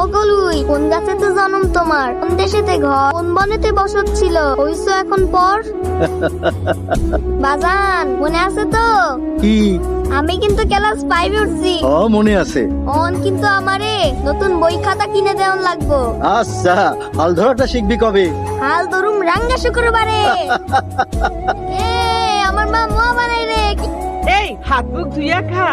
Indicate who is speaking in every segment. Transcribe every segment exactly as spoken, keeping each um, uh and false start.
Speaker 1: গলুই, কোন গাছেতে জন্ম তোমার, কোন দেশেতে ঘর, কোন বনেতে বসত ছিল, হইছো এখন পর? বাজান মনে আছে তো?
Speaker 2: কি?
Speaker 1: আমি কিন্তু ক্লাস ফাইভে উঠছি।
Speaker 2: ও মনে আছে।
Speaker 1: অন কিন্তু আমারে নতুন বই খাতা কিনে দেওয়ান লাগবো।
Speaker 2: আচ্ছা, হাল ধরাটা শিখবি কবে?
Speaker 1: হাল ধরুম রাঙ্গা শুক্রবারে। এ আমার মা মোয়া বানাই রে।
Speaker 3: এই হাত মুখ ধুইয়া খা।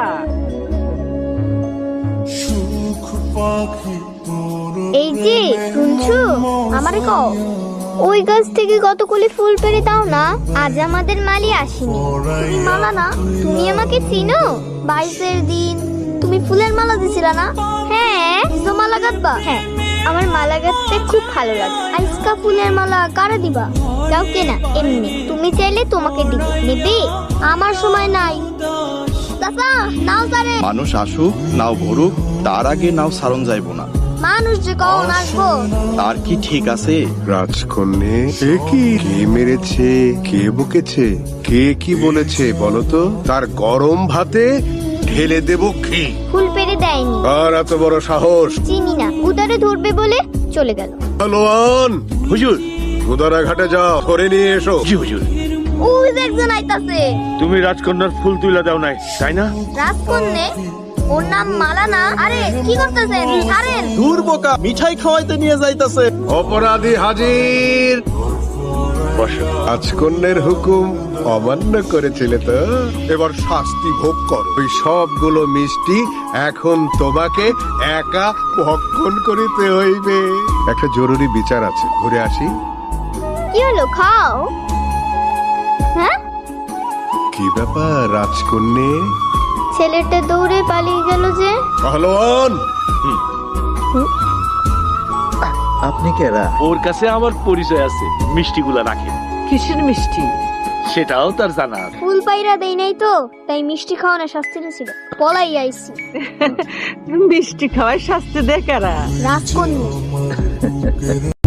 Speaker 1: এই যে শুনছো, আমারে কও ওই গাছ থেকে কতগুলি ফুল পেড়ে দাও না, আজ আমাদের মালি আসেনি। তুমি মালা না, তুমি আমাকে চিনো? বাইশের দিন তুমি ফুলের মালা দিছিলা না? হ্যাঁ, নিজো মালা গাঁথবা? হ্যাঁ, আমার মালা গাঁথতে খুব ভালো লাগে। আজকা ফুলের মালা কারে দিবা? কাউকে না, এমনি তুমি চাইলে তোমাকে দিব। নেবে? আমার সময় নাই। চাচা নাও সারে।
Speaker 4: মানুষ আসুক নাও ভরুক, তার আগে নাও সারণ যাইব না।
Speaker 1: মানুষ যে কখন আসবো?
Speaker 4: তার কি ঠিক আছে?
Speaker 5: রাজকন্যে, এ কি? কে মেরেছে, কে বকেছে, কে কি বলেছে বলো তো? তার গরম ভাতে ঢেলে দেব কি?
Speaker 1: ফুল পেড়ে দেয়নি।
Speaker 5: আর এত বড় সাহস!
Speaker 1: চিনি না, উদারে ধরবে বলে চলে গেল।
Speaker 5: পালোয়ান,
Speaker 6: হুজুর।
Speaker 5: গুদারা ঘাটে যাও, ধরে নিয়ে এসো।
Speaker 6: জি হুজুর।
Speaker 1: ওই যে একজন আইতাছে।
Speaker 6: তুমি রাজকন্যার ফুল তুইলা দাও নাই, তাই না?
Speaker 1: রাজকন্যে? ওর নাম মালা না? আরে কি করতেছেন? ছাড়েন।
Speaker 2: দূর বোকা, মিঠাই খাওয়াইতে নিয়ে যাইতাছে।
Speaker 5: অপরাধী হাজির।
Speaker 6: বসো।
Speaker 5: রাজকন্যের হুকুম অমান্য করেছিলে তো, এবার শাস্তি ভোগ করো। ওই সবগুলো মিষ্টি এখন তোমাকে একা ভক্ষণ করিতে হইবে। একটা জরুরি বিচার আছে, ঘুরে আসি।
Speaker 1: কি হলো, খাও। হ্যাঁ,
Speaker 5: কি ব্যাপার রাজকন্যে?
Speaker 1: ছেলেটা দৌড়ে পালিয়ে গেল যে।
Speaker 5: পালোয়ান,
Speaker 2: আপনি কেরা?
Speaker 6: ওর কাছে আমার পরিচয় আছে, মিষ্টিগুলা রাখে।
Speaker 3: কিসের মিষ্টি?
Speaker 6: সেটাও তার জানা আছে।
Speaker 1: ফুল পাইরা দেই নাই তো, তাই মিষ্টি খাওয়ানো শাস্তিটা ছিল। পলাই আইছি।
Speaker 3: মিষ্টি খাওয়ায় শাস্তি দেয় কারা?
Speaker 1: রাজকন্যা।